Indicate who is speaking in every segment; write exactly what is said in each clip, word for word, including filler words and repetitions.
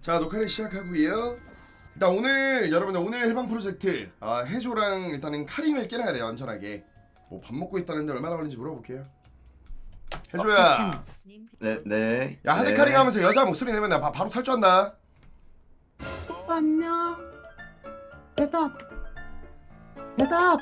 Speaker 1: 자, 녹화를 시작하고요. 일단 오늘 여러분들 오늘 해방 프로젝트 아, 해조랑 일단은 카림을 깨놔야 돼요. 안전하게. 뭐 밥 먹고 있다는데 얼마나 걸리는지 물어볼게요. 해조야.
Speaker 2: 네, 네.
Speaker 1: 야, 하드
Speaker 2: 네.
Speaker 1: 카링 하면서 여자 목소리 내면 나 바, 바로 탈주한다.
Speaker 3: 오빠 안녕. 대답. 대답.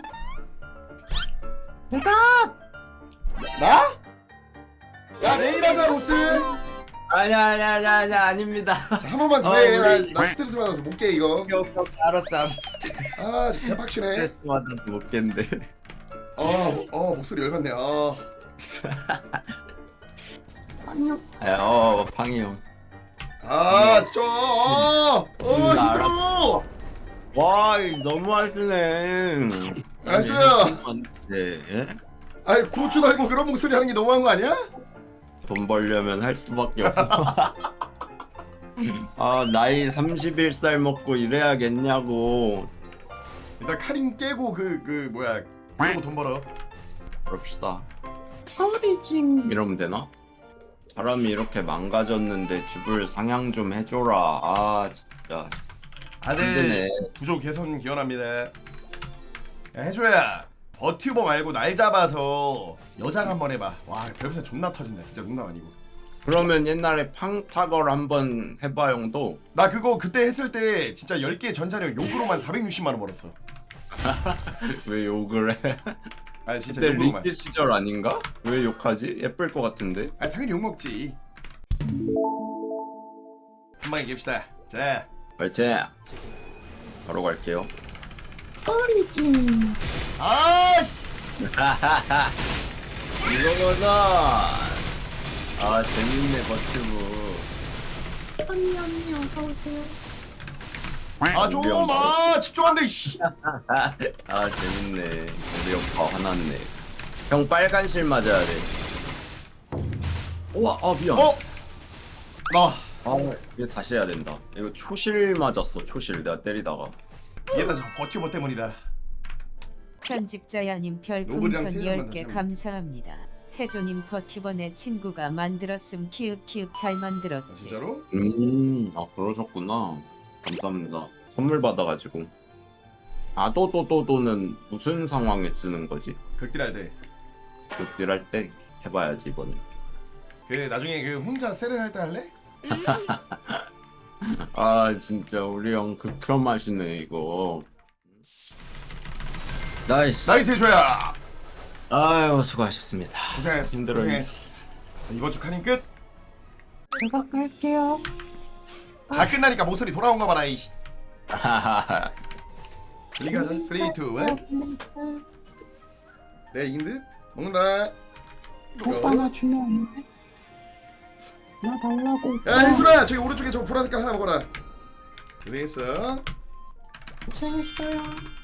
Speaker 3: 대답.
Speaker 1: 나? 야, 내일 하자, 로스.
Speaker 2: 아니야, 아니야, 아니야, 아니야, 아닙니다.
Speaker 1: 자, 한 번만 더
Speaker 2: 어,
Speaker 1: 해.
Speaker 2: 우리-
Speaker 1: 나, 나 스트레스 받아서 못 깨 이거.
Speaker 2: 오케이, 오케이, 오케이. 알았어, 알았어.
Speaker 1: 아, 진짜 개빡치네.
Speaker 2: 스트레스 받아서 못 깼는데.
Speaker 1: 어, 어, 목소리 열받네. 어.
Speaker 3: 안녕.
Speaker 2: 아, 어, 팡이 형.
Speaker 1: 아, 진짜. 어, 어,
Speaker 2: 나
Speaker 1: 힘들어.
Speaker 2: 와, 이거 너무 하시네.
Speaker 1: 아, 해줘야.
Speaker 2: 네, 예?
Speaker 1: 아이, 고추 달고 그런 목소리 하는 게 너무한 거 아니야?
Speaker 2: 돈 벌려면 할 수밖에 없어. 아, 나이 서른한 살 먹고 이래야겠냐고.
Speaker 1: 일단 카린 깨고 그 그 뭐야 깨고 돈 벌어.
Speaker 2: 그럽시다.
Speaker 3: 서울이징.
Speaker 2: 이러면 되나? 사람이 이렇게 망가졌는데 집을 상향 좀 해줘라. 아, 진짜.
Speaker 1: 아들
Speaker 2: 힘드네.
Speaker 1: 부족 개선 기원합니다. 야, 해줘야 버튜버 말고 날 잡아서 여장 한번 해봐. 와, 별풍선 존나 터진다. 진짜 농담 아니고.
Speaker 2: 그러면 옛날에 팡타걸 한번 해봐 형도.
Speaker 1: 나 그거 그때 했을 때 진짜 열 개 전자료 욕으로만 사백육십만 원 벌었어.
Speaker 2: 왜 욕을 해?
Speaker 1: 아니 진짜
Speaker 2: 그때
Speaker 1: 욕으로만.
Speaker 2: 리필 시절 아닌가? 왜 욕하지? 예쁠 것 같은데.
Speaker 1: 아니 당연히 욕 먹지. 한 방에 갭시다. 자,
Speaker 2: 파이팅! 바로 갈게요.
Speaker 3: 서울이징.
Speaker 1: 아, 씨.
Speaker 2: 이거구나. 아, 재밌네 버튜브.
Speaker 3: 언니 언니 어서 오세요.
Speaker 1: 아 좀, 아 집중한데. 씨.
Speaker 2: 아, 재밌네. 우리 오빠 화났네. 형 빨간 실 맞아야 돼. 우와, 아 미안.
Speaker 1: 어? 나
Speaker 2: 아, 이거 다시 해야 된다. 이거 초실 맞았어. 초실 내가 때리다가.
Speaker 1: 얘다 저 버튜버 때문이다.
Speaker 4: 편집자야님
Speaker 1: 노블이랑
Speaker 4: 별풍선
Speaker 1: 세일만
Speaker 4: 열 개
Speaker 1: 다시
Speaker 4: 감사합니다. 해조님 버티번의 친구가 만들었음 키읔키읔 잘
Speaker 1: 아,
Speaker 4: 만들었지.
Speaker 1: 진짜로?
Speaker 2: 음, 아 그러셨구나. 감사합니다. 선물 받아가지고. 아, 또 또 또 또는 무슨 상황에 쓰는 거지?
Speaker 1: 극딜할 때.
Speaker 2: 극딜할 때 해봐야지 이거는.
Speaker 1: 그 나중에 그 혼자 세렌 할 때 할래?
Speaker 2: 아 진짜 우리 형 극혐하시네 이거. 나이스.
Speaker 1: 나이스 해줘야.
Speaker 2: 아유 수고하셨습니다.
Speaker 1: 고생했어.
Speaker 2: 힘들어요.
Speaker 1: 고생했어. 이번 주 카닝 끝.
Speaker 3: 제가 갈게요.
Speaker 1: 다 끝나니까 목소리 돌아온 거 봐라. 이씨.
Speaker 2: 하하하.
Speaker 1: 리가자. 삼, 이, 일. 내가 이긴 듯. 먹는다.
Speaker 3: 오빠 나 주면 안 돼? 나 달라고.
Speaker 1: 야 해수라 저기 오른쪽에 저 보라색깔 하나 먹어라. 고생했어.
Speaker 3: 고생했어요.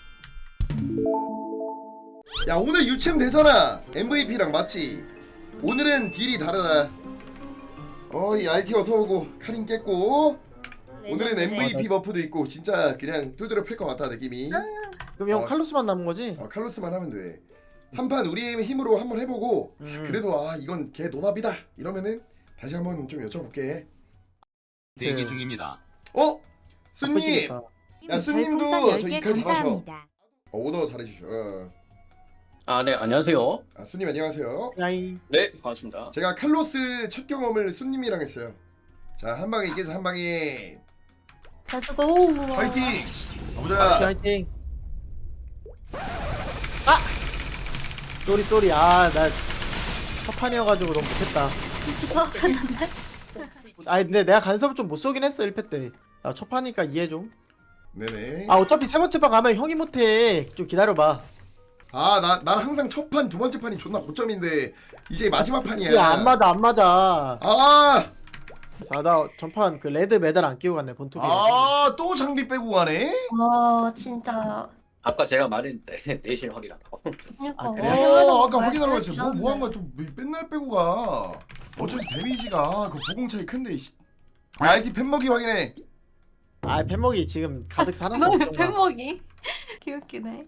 Speaker 1: 야 오늘 유챔 되잖아. 엠브이피랑 맞지? 오늘은 딜이 다르다. 어이 알티 어서오고 카린 깼고 오늘은 엠브이피 버프도 있고 진짜 그냥 뚜드려 팰 것 같아 느낌이.
Speaker 5: 그럼 형
Speaker 1: 어.
Speaker 5: 칼로스만 남은 거지?
Speaker 1: 어, 칼로스만 하면 돼. 한판 우리의 힘으로 한번 해보고
Speaker 5: 음.
Speaker 1: 그래도 아 이건 걔 노답이다 이러면은 다시 한번 좀 여쭤볼게.
Speaker 6: 대기 중입니다.
Speaker 1: 어? 순님!
Speaker 5: 바쁘시겠다.
Speaker 1: 야 순님도
Speaker 7: 별풍선
Speaker 1: 저
Speaker 7: 열 개
Speaker 1: 이칼 잘하셔.
Speaker 7: 감사합니다.
Speaker 1: 어, 오더 잘해주셔. 어.
Speaker 6: 아, 네, 안녕하세요.
Speaker 1: 아 순님 안녕하세요.
Speaker 5: 야이.
Speaker 6: 네, 반갑습니다.
Speaker 1: 제가 칼로스 첫 경험을 순님이랑 했어요. 자 한 방에 이겨서 한 방에
Speaker 7: 가수고
Speaker 1: 파이팅!
Speaker 5: 화이팅
Speaker 1: 가보자.
Speaker 5: 화이팅. 아! 쏘리 쏘리. 아나 첫판이어가지고 너무 못했다.
Speaker 7: 무서웠는데?
Speaker 5: 아니 근데 내가 간섭을 좀 못 쏘긴 했어 일 패 때. 나 첫판이니까 이해 좀.
Speaker 1: 네네.
Speaker 5: 아 어차피 세 번째 판 가면 형이 못해. 좀 기다려봐.
Speaker 1: 아나 난 항상 첫 판 두 번째 판이 존나 고점인데 이제 마지막 판이야.
Speaker 5: 이게 안 맞아 안 맞아.
Speaker 1: 아!
Speaker 5: 아, 나 전판 그 레드 메달 안 끼고 갔네 본토비.
Speaker 1: 아, 또 장비 빼고 가네?
Speaker 7: 와 진짜
Speaker 6: 아까 제가 말했는데 내실 확인하라고.
Speaker 7: 그러니까
Speaker 5: 아, 그래?
Speaker 1: 어, 아까 확인하라고 했어. 뭐, 뭐 한 거야? 또 맨날 빼고 가. 어쩐지 데미지가 그 보공 차이 큰데, 이씨. 아, 알티 팬먹이 확인해.
Speaker 5: 아 팬먹이 지금 가득 살았어. 걱정 마.
Speaker 7: 팬먹이 귀엽기네.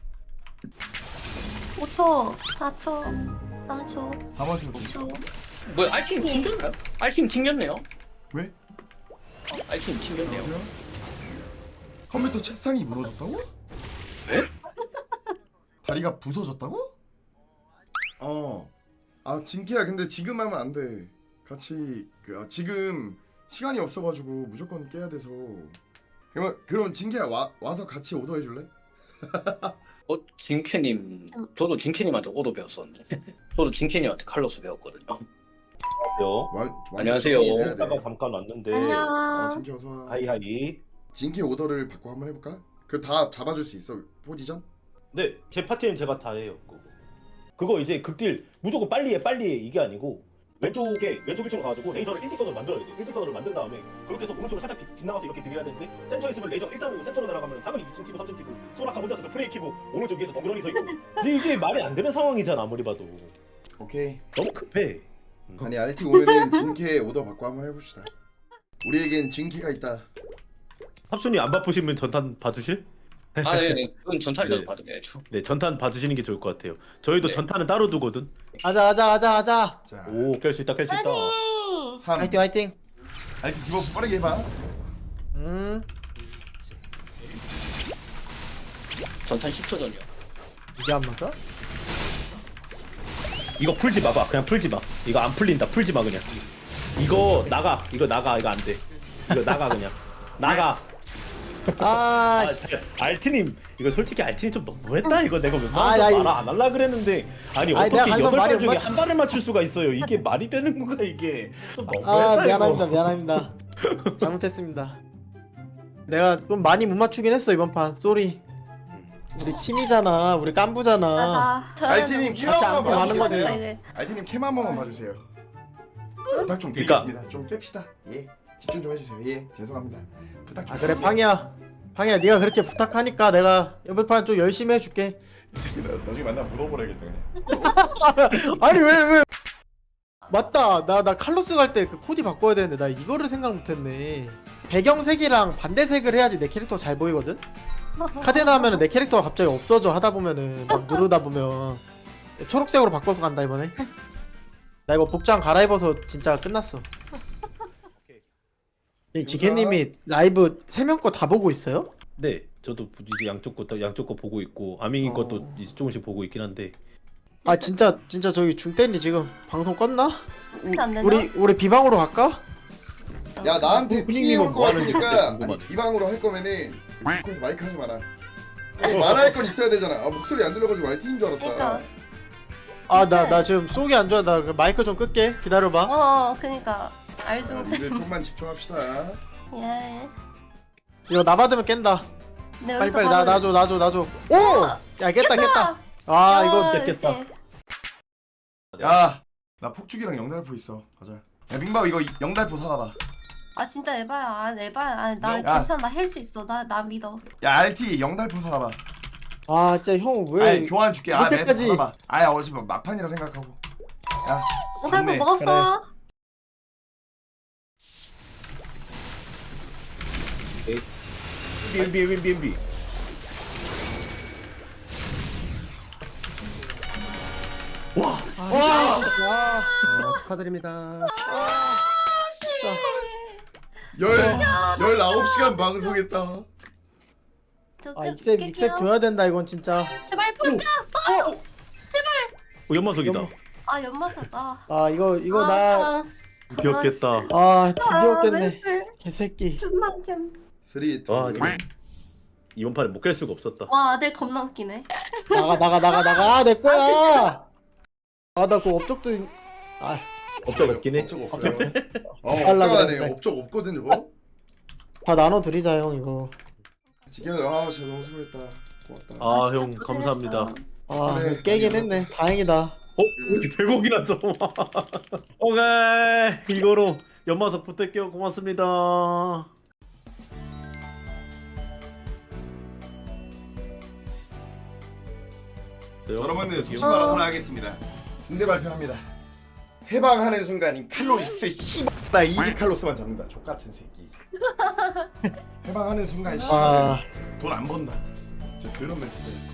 Speaker 7: 오 초, 사 초, 삼 초,
Speaker 1: 사 번 쓰고.
Speaker 7: 이 초.
Speaker 6: 뭐야, 알팀 튕겼나요? 알팀 튕겼네요.
Speaker 1: 왜?
Speaker 6: 알팀 튕겼네요.
Speaker 1: 안녕하세요. 컴퓨터 책상이 무너졌다고? 에? 다리가 부서졌다고? 어. 아 진키야 근데 지금 하면 안 돼. 같이 그 아, 지금 시간이 없어가지고 무조건 깨야 돼서. 그럼 그럼 진키야 와 와서 같이 오더 해줄래?
Speaker 6: 어, 진캐님, 저도 진캐님한테 오도 배웠었는데. 저도 진캐님한테 칼로스 배웠거든요.
Speaker 8: 안녕하세요.
Speaker 1: 완, 완전
Speaker 6: 안녕하세요.
Speaker 1: 정리해야 돼.
Speaker 8: 이따가 잠깐 왔는데
Speaker 1: 어,
Speaker 7: 안녕.
Speaker 1: 진키 어서 와.
Speaker 8: 하이하이.
Speaker 1: 진키 오더를 받고 한번 해볼까? 그 다 잡아줄 수 있어 포지션?
Speaker 8: 네, 제 파티는 제가 다 해요. 그거, 그거 이제 극딜 무조건 빨리 해 빨리 해 이게 아니고 왼쪽에 왼쪽 일층으로 가가지고 레이저를 일직선으로 만들어야 돼. 일직선으로 만든 다음에 그렇게 해서 오른쪽으로 살짝 빗, 빗나가서 이렇게 드려야 되는데 센터에 있으면 레이저 일 점 오 센터로 날아가면 당연히 이 층 키고 삼 층 키고 소라카 혼자서 프레이 키고 오른쪽 위에서 덩그러니 서 있고 근데 이게 말이 안 되는 상황이잖아 아무리 봐도.
Speaker 1: 오케이.
Speaker 8: 너무 급해.
Speaker 1: 아니 알티 오면은 진키의 오더 받고 한번 해봅시다. 우리에겐 진키가 있다.
Speaker 8: 합순이 안 바쁘시면 전탄 봐주실?
Speaker 6: 아, 네, 네. 그건 전탈이라도
Speaker 8: 네.
Speaker 6: 받아야죠.
Speaker 8: 네, 전탄 봐주시는 게 좋을 것 같아요. 저희도
Speaker 6: 네.
Speaker 8: 전탄은 따로 두거든.
Speaker 5: 아자 아자 아자 아자.
Speaker 1: 자,
Speaker 8: 오, 깰 수 있다, 깰 수 있다.
Speaker 7: 파이팅.
Speaker 1: 삼.
Speaker 5: 화이팅 화이팅.
Speaker 1: 알티 디버프 빠르게 해봐.
Speaker 5: 음
Speaker 6: 전탄 십 초 전이요.
Speaker 5: 이게 안 맞아?
Speaker 8: 이거 풀지 마봐. 그냥 풀지 마. 이거 안 풀린다. 풀지 마 그냥. 이거 나가. 이거 나가. 이거 안 돼. 이거 나가 그냥. 나가.
Speaker 5: 아,
Speaker 8: 아,
Speaker 5: 씨.
Speaker 8: 잠깐. 알티님 이거 솔직히 알티님 좀 너무했다 이거 내가 웬만하면
Speaker 5: 아, 야,
Speaker 8: 말안 할라 그랬는데 아니
Speaker 5: 아니, 내가
Speaker 8: 어떻게
Speaker 5: 항상
Speaker 8: 여덟
Speaker 5: 말이
Speaker 8: 발
Speaker 5: 못
Speaker 8: 중에
Speaker 5: 맞췄어.
Speaker 8: 한 발을 맞출 수가 있어요. 이게 말이 되는 건가 이게. 좀 너무했다
Speaker 5: 아
Speaker 8: 이거.
Speaker 5: 미안합니다 미안합니다. 잘못했습니다. 내가 좀 많이 못 맞추긴 했어 이번 판. 쏘리. 우리 팀이잖아. 우리 깐부잖아.
Speaker 7: 맞아.
Speaker 1: 알티님 캠
Speaker 5: 같이
Speaker 1: 한
Speaker 5: 안고
Speaker 1: 번만
Speaker 5: 가는 거지.
Speaker 1: 봐주세요. 알티님 캠 한 번만 봐주세요. 부탁 좀
Speaker 8: 그러니까.
Speaker 1: 드리겠습니다. 좀 깹시다. 예, 집중 좀 해주세요. 예, 죄송합니다. 부탁 좀.
Speaker 5: 아 그래 팡이야. 팡이야 네가 그렇게 부탁하니까 내가 이번 판 좀 열심히 해줄게.
Speaker 1: 이 새끼 나 나중에 만나 묻어버려야겠다 그냥.
Speaker 5: 아니 왜 왜? 맞다. 나 나 칼로스 갈 때 그 코디 바꿔야 되는데 나 이거를 생각 못했네. 배경색이랑 반대색을 해야지 내 캐릭터 잘 보이거든. 카데나 하면은 내 캐릭터가 갑자기 없어져 하다 보면은 막 누르다 보면 초록색으로 바꿔서 간다 이번에. 나 이거 복장 갈아입어서 진짜 끝났어. 이 지케님이 라이브 세 명 거 다 보고 있어요?
Speaker 8: 네, 저도 이제 양쪽 거 양쪽 거 보고 있고 아밍이
Speaker 5: 어.
Speaker 8: 것도 이제 조금씩 보고 있긴 한데.
Speaker 5: 아 진짜 진짜 저기 중땡이 지금 방송 껐나? 우,
Speaker 7: 안 되나?
Speaker 5: 우리 우리 비방으로 갈까?
Speaker 1: 야 나한테
Speaker 8: 어,
Speaker 1: 피해 올
Speaker 8: 훈이님은
Speaker 1: 거
Speaker 8: 뭐 하는지
Speaker 1: 같으니까
Speaker 8: 그때
Speaker 1: 아니
Speaker 8: 궁금하네.
Speaker 1: 비방으로 할 거면은 디코에서 마이크 하지 마라. 아니, 말할 건 있어야 되잖아. 아, 목소리 안 들려가지고 알티인 줄 알았다.
Speaker 7: 그러니까.
Speaker 5: 아 나 나 지금 속이 안 좋아. 나그 마이크 좀 끌게. 기다려봐.
Speaker 7: 어, 그니까 알지
Speaker 1: 자,
Speaker 7: 못해.
Speaker 1: 니들 좀만 집중합시다.
Speaker 7: 예.
Speaker 5: 이거 나 받으면 깬다.
Speaker 7: 내
Speaker 5: 빨리
Speaker 7: 여기서
Speaker 5: 빨리 나
Speaker 7: 바로-
Speaker 5: 놔줘 놔줘 놔줘. 오! 야 깼다 깼다. 아
Speaker 7: 야,
Speaker 5: 이거
Speaker 7: 역시.
Speaker 8: 깼겠다.
Speaker 1: 야, 나 폭죽이랑 영달포 있어. 가자. 야 민바오 이거 영달포 사와봐.
Speaker 7: 아 진짜 에바야. 아 에바야. 아, 나
Speaker 1: 야.
Speaker 7: 괜찮아. 나 할 수 있어. 나 나 믿어.
Speaker 1: 야 알티 영달포 사와봐.
Speaker 5: 아 진짜 형 왜?
Speaker 1: 아니 교환 줄게. 아 매스
Speaker 5: 이렇게까지-
Speaker 1: 받아봐. 아야 어차피 막판이라 생각하고. 야
Speaker 7: 영상도
Speaker 1: 좋네.
Speaker 7: 먹었어.
Speaker 8: 엠비 엠비 엠비. 와,
Speaker 5: 와! 와!
Speaker 9: 어, 축하드립니다.
Speaker 5: 진짜.
Speaker 1: 열 열아홉 시간 방송했다.
Speaker 7: 저
Speaker 5: 아
Speaker 7: 끝-
Speaker 5: 익셉
Speaker 7: 깰게요.
Speaker 5: 익셉 줘야 된다 이건 진짜.
Speaker 7: 제발 풀자.
Speaker 8: 어, 연마석이다.
Speaker 5: 연-
Speaker 7: 아 연마사. 아.
Speaker 5: 아 이거 이거 나.
Speaker 8: 귀엽겠다.
Speaker 5: 아 드디어 깼네.
Speaker 7: 멘탈
Speaker 5: 개새끼.
Speaker 7: 존나 웃겨.
Speaker 1: 삼, 이,
Speaker 8: 와, 이거- 이번 판에 못 깰 수가 없었다.
Speaker 7: 와 아들 겁나 웃기네.
Speaker 5: 나가 나가 나가 나가. 아, 내 거야. 아 나 그 업적도 있- 아
Speaker 8: 업적 없긴 해.
Speaker 1: 업적 없어요. 어
Speaker 5: 빨라
Speaker 1: 없다가네.
Speaker 5: 그랬는데.
Speaker 1: 업적 없거든 저거.
Speaker 5: 다 나눠 드리자 형 이거.
Speaker 1: 지금 아 진짜 너무 수고했다. 고맙다.
Speaker 8: 아,
Speaker 7: 진짜
Speaker 8: 형
Speaker 7: 고생했어.
Speaker 8: 감사합니다.
Speaker 5: 아
Speaker 1: 그래,
Speaker 5: 깨긴
Speaker 1: 아니요.
Speaker 5: 했네. 다행이다.
Speaker 8: 어? 왜 이렇게 백억이나 줘? 오케이, 이거로 연마석 부탁해요. 고맙습니다.
Speaker 1: 여러분들 소신발언 하나 하겠습니다. 중대 발표합니다. 해방하는 순간 칼로스 씨나 이지 칼로스만 잡는다. 족 같은 새끼. 해방하는 순간
Speaker 5: 아
Speaker 1: 돈 안 번다. 진짜 그러면 진짜